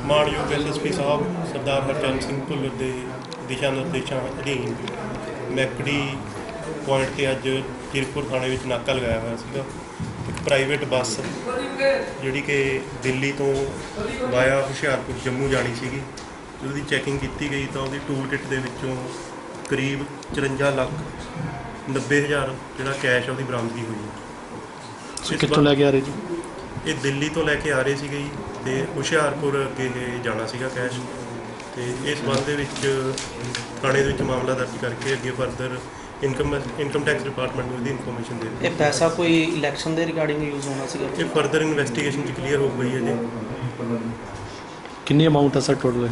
ਮਾਣਯੋਗ SSP ਸਾਹਿਬ ਸਰਦਾਰ ਹਰਚਰਨ ਸਿੰਘ ਭੁੱਲਰ ਦੇ ਦਿਸ਼ਾ ਨਿਰਦੇਸ਼ਾਂ ਅਧੀਨ ਮੈਕੜੀ ਪੁਆਇੰਟ 'ਤੇ ਅੱਜ ਜ਼ੀਰਕਪੁਰ ਥਾਣੇ ਵਿੱਚ ਨਾਕਾ ਲਗਾਇਆ ਹੋਇਆ ਸੀਗਾ। ਇੱਕ ਪ੍ਰਾਈਵੇਟ ਬੱਸ ਜਿਹੜੀ ਕਿ ਦਿੱਲੀ ਤੋਂ ਵਾਇਆ ਹੁਸ਼ਿਆਰਪੁਰ ਜੰਮੂ ਜਾਣੀ ਸੀਗੀ, ਉਹਦੀ ਚੈਕਿੰਗ ਕੀਤੀ ਗਈ ਤਾਂ ਉਹਦੀ ਟੂਲ ਕਿੱਟ ਦੇ ਵਿੱਚੋਂ ਕਰੀਬ 54,90,000 ਜਿਹੜਾ ਕੈਸ਼ ਉਹਦੀ ਬਰਾਮਦਗੀ ਹੋਈ ਹੈ। ਕਿੱਥੋਂ ਲੈ ਕੇ ਆ ਰਹੇ ਜੀ? ਇਹ ਦਿੱਲੀ ਤੋਂ ਲੈ ਕੇ ਆ ਰਹੇ ਸੀਗੇ ਜੀ ਅਤੇ ਹੁਸ਼ਿਆਰਪੁਰ ਅੱਗੇ ਇਹ ਜਾਣਾ ਸੀਗਾ ਕੈਸ਼। ਅਤੇ ਇਸ ਸੰਬੰਧ ਦੇ ਵਿੱਚ ਥਾਣੇ ਦੇ ਵਿੱਚ ਮਾਮਲਾ ਦਰਜ ਕਰਕੇ ਅੱਗੇ ਫਰਦਰ ਇਨਕਮ ਟੈਕਸ ਡਿਪਾਰਟਮੈਂਟ ਨੂੰ ਇਹਦੀ ਇਨਫੋਰਮੇਸ਼ਨ ਦੇ ਦਿੱਤੀ। ਇਹ ਪੈਸਾ ਕੋਈ ਇਲੈਕਸ਼ਨ ਦੇ ਰਿਗਾਰਡਿੰਗ ਯੂਜ਼ ਹੋਣਾ ਸੀਗਾ? ਇਹ ਫਰਦਰ ਇਨਵੈਸਟੀਗੇਸ਼ਨ 'ਚ ਕਲੀਅਰ ਹੋ ਗਈ ਹੈ ਜੀ। ਕਿੰਨੀ ਅਮਾਊਂਟ ਹੈ ਸਰ ਟੋਟਲ?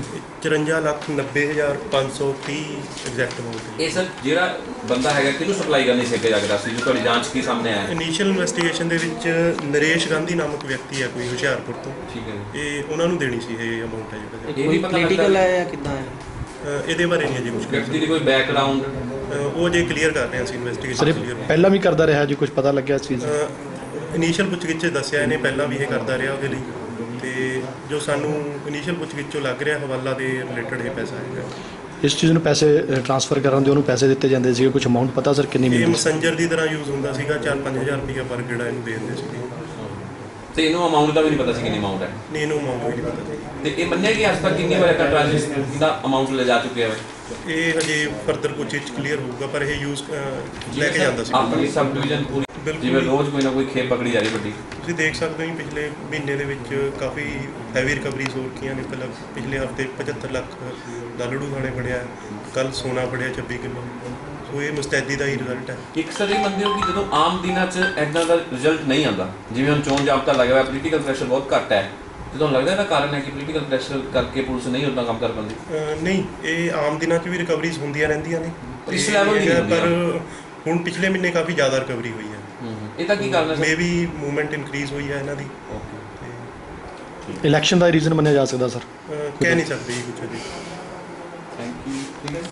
54,90,530 ਐਗਜ਼ੈਕਟ ਅਮਾਊਂਟ ਹੈ। ਇਹ ਸਰ ਜਿਹੜਾ ਬੰਦਾ ਹੈਗਾ ਕਿਹਨੂੰ ਸਪਲਾਈ ਕਰਨੀ ਸੀ ਅੱਗੇ ਜਾ ਕੇ ਦੱਸ ਦਿਓ, ਤੁਹਾਡੀ ਜਾਂਚ ਕੀ ਸਾਹਮਣੇ ਆਇਆ? ਇਨੀਸ਼ੀਅਲ ਇਨਵੈਸਟੀਗੇਸ਼ਨ ਦੇ ਵਿੱਚ ਨਰੇਸ਼ ਗਾਂਧੀ ਨਾਮਕ ਵਿਅਕਤੀ ਹੈ ਕੋਈ ਹੁਸ਼ਿਆਰਪੁਰ ਤੋਂ। ਠੀਕ ਹੈ। ਇਹ ਉਹਨਾਂ ਨੂੰ ਦੇਣੀ ਸੀ ਇਹ ਅਮਾਊਂਟ ਹੈ ਜਿਹੜਾ। ਇਹ ਵੀ ਪਤਾ ਪੋਲੀਟੀਕਲ ਹੈ ਜਾਂ ਕਿੱਦਾਂ ਹੈ? ਇਹਦੇ ਬਾਰੇ ਨਹੀਂ ਅਜੇ ਕੁਝ ਵਿਅਕਤੀ ਦੀ ਕੋਈ ਬੈਕਗ੍ਰਾਉਂਡ ਉਹ ਜੇ ਕਲੀਅਰ ਕਰ ਰਹੇ ਹਾਂ ਅਸੀਂ ਇਨਵੈਸਟੀਗੇਸ਼ਨ ਕਲੀਅਰ। ਪਹਿਲਾਂ ਵੀ ਕਰਦਾ ਰਿਹਾ ਜੀ, ਕੁਝ ਪਤਾ ਲੱਗਿਆ ਇਸ ਚੀਜ਼? ਇਨੀਸ਼ੀਅਲ ਪੁੱਛਗਿੱਛ 'ਚ ਦੱਸਿਆ ਇਹਨੇ ਪਹਿਲਾਂ ਵੀ ਇਹ ਕਰਦਾ ਰਿਹਾ ਉਹਦੇ ਲਈ, ਅਤੇ ਜੋ ਸਾਨੂੰ ਇਨੀਸ਼ੀਅਲ ਪੁੱਛਗਿੱਛ 'ਚੋਂ ਲੱਗ ਰਿਹਾ ਹਵਾਲਾ ਦੇ ਰਿਲੇਟਡ ਇਹ ਪੈਸਾ ਹੈਗਾ। ਇਸ ਚੀਜ਼ ਨੂੰ ਪੈਸੇ ਟ੍ਰਾਂਸਫਰ ਕਰਨ ਦੇ ਉਹਨੂੰ ਪੈਸੇ ਦਿੱਤੇ ਜਾਂਦੇ ਸੀਗੇ, ਕੁਝ ਅਮਾਊਂਟ ਪਤਾ ਸਰ ਕਿੰਨੀ ਇਹ ਮਿਲਦੀ? ਮੈਸੇਂਜਰ ਦੀ ਤਰ੍ਹਾਂ ਯੂਜ਼ ਹੁੰਦਾ ਸੀਗਾ, 4-5 ਹਜ਼ਾਰ ਰੁਪਈਆ ਪਰ ਗੇੜਾ ਇਹਨੂੰ ਦੇ ਦਿੰਦੇ ਸੀਗੇ। ਤੇ ਇਹਨੂੰ ਅਮਾਊਂਟ ਦਾ ਵੀ ਨਹੀਂ ਪਤਾ ਸੀ ਕਿੰਨੀ ਅਮਾਊਂਟ ਹੈ? ਨਹੀਂ, ਇਹਨੂੰ ਅਮਾਊਂਟ ਵੀ ਨਹੀਂ ਪਤਾ ਸੀ। ਤੇ ਇਹ ਮੰਨਿਆ ਕਿ ਅੱਜ ਤੱਕ ਕਿੰਨੀ ਵਾਰ ਟ੍ਰਾਂਜੈਕਸ਼ਨ ਦਾ ਅਮਾਊਂਟ ਲੈ ਜਾ ਚੁੱਕਿਆ ਹੈ? ਇਹ ਹਜੇ ਫਰਦਰ ਪੁੱਛਗਿੱਛ ਕਲੀਅਰ ਹੋਊਗਾ, ਪਰ ਇਹ ਯੂਜ਼ ਲੈ ਕੇ ਜਾਂਦਾ ਸੀ ਆਪਣੀ ਸਬ ਡਿਵੀਜ਼ਨ ਪੂਰੀ ਜਿਵੇਂ ਰੋਜ਼ ਕੋਈ ਨਾ ਕੋਈ ਖੇਪ ਪਕੜੀ ਜਾ ਰਹੀ ਵੱਡੀ। ਤੁਸੀਂ ਦੇਖ ਸਕਦੇ ਹੋ ਪਿਛਲੇ ਮਹੀਨੇ ਦੇ ਵਿੱਚ ਕਾਫੀ ਹੈਵੀ ਰਿਕਵਰੀਜ਼ ਹੋ ਰਹੀਆਂ ਨੇ। ਪਹਿਲਾਂ ਪਿਛਲੇ ਹਫਤੇ 75 ਲੱਖ ਲਾਲੜੂ ਥਾਣੇ ਫੜਿਆ, ਕੱਲ੍ਹ ਸੋਨਾ ਫੜਿਆ 26 ਕਿਲੋ। ਸੋ ਇਹ ਮੁਸਤੈਦੀ ਦਾ ਹੀ ਰਿਜ਼ਲਟ ਹੈ। ਇੱਕ ਸਰ ਇਹ ਮੰਨਦੇ ਹੋ ਕਿ ਜਦੋਂ ਆਮ ਦਿਨਾਂ 'ਚ ਇੱਦਾਂ ਦਾ ਰਿਜ਼ਲਟ ਨਹੀਂ ਆਉਂਦਾ, ਜਿਵੇਂ ਹੁਣ ਚੋਣ ਜਾਬਤਾ ਲੱਗਿਆ ਹੋਇਆ, ਪੋਲੀਟੀਕਲ ਪ੍ਰੈਸ਼ਰ ਬਹੁਤ ਘੱਟ ਹੈ, ਤੇ ਤੁਹਾਨੂੰ ਲੱਗਦਾ ਇਹਦਾ ਕਾਰਨ ਹੈ ਕਿ ਪੋਲੀਟੀਕਲ ਪ੍ਰੈਸ਼ਰ ਕਰਕੇ ਪੁਲਿਸ ਨਹੀਂ ਉੱਦਾਂ ਕੰਮ ਕਰ ਪਾਉਂਦੀ? ਨਹੀਂ, ਇਹ ਆਮ ਦਿਨਾਂ 'ਚ ਵੀ ਰਿਕਵਰੀਜ਼ ਹੁੰਦੀਆਂ ਰਹਿੰਦੀਆਂ ਨੇ ਇਸ ਲੈਵਲ ਦੀ, ਪਰ ਹੁਣ ਪਿਛਲੇ ਮਹੀਨੇ ਕਾਫੀ ਜ਼ਿਆਦਾ ਰਿਕਵਰੀ ਹੋਈ ਹੈ। ਇਹਦਾ ਕੀ ਕਾਰਨ ਹੈ? ਮੇ ਵੀ ਮੂਵਮੈਂਟ ਇਨਕਰੀਜ਼ ਹੋਈ ਹੈ ਇਹਨਾਂ ਦੀ। ਇਲੈਕਸ਼ਨ ਦਾ ਰੀਜ਼ਨ ਮੰਨਿਆ ਜਾ ਸਕਦਾ ਸਰ? ਕਹਿ ਨਹੀਂ ਸਕਦੇ ਜੀ ਕੁਝ ਅਜੇ। Thank you. ਠੀਕ ਹੈ।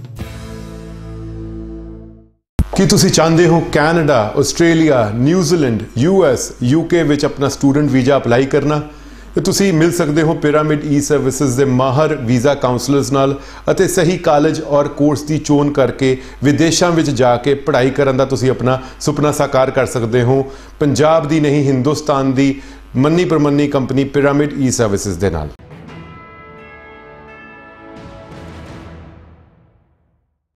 ਕੀ ਤੁਸੀਂ ਚਾਹੁੰਦੇ ਹੋ Canada, Australia, New Zealand, US, UK ਵਿੱਚ ਆਪਣਾ ਸਟੂਡੈਂਟ ਵੀਜ਼ਾ ਅਪਲਾਈ ਕਰਨਾ? ਤੇ ਤੁਸੀਂ ਮਿਲ ਸਕਦੇ ਹੋ ਪਿਰਾਮਿਡ ਈ-ਸਰਵਿਸਿਜ਼ ਦੇ ਮਾਹਰ ਵੀਜ਼ਾ ਕਾਉਂਸਲਰਸ ਨਾਲ ਅਤੇ ਸਹੀ ਕਾਲਜ ਔਰ ਕੋਰਸ ਦੀ ਚੋਣ ਕਰਕੇ ਵਿਦੇਸ਼ਾਂ ਵਿੱਚ ਜਾ ਕੇ ਪੜ੍ਹਾਈ ਕਰਨ ਦਾ ਤੁਸੀਂ ਆਪਣਾ ਸੁਪਨਾ ਸਾਕਾਰ ਕਰ ਸਕਦੇ ਹੋ ਪੰਜਾਬ ਦੀ ਨਹੀਂ ਹਿੰਦੁਸਤਾਨ ਦੀ ਮੰਨੀ ਪ੍ਰਮੰਨੀ ਕੰਪਨੀ ਪਿਰਾਮਿਡ ਈ-ਸਰਵਿਸਿਜ਼ ਦੇ ਨਾਲ।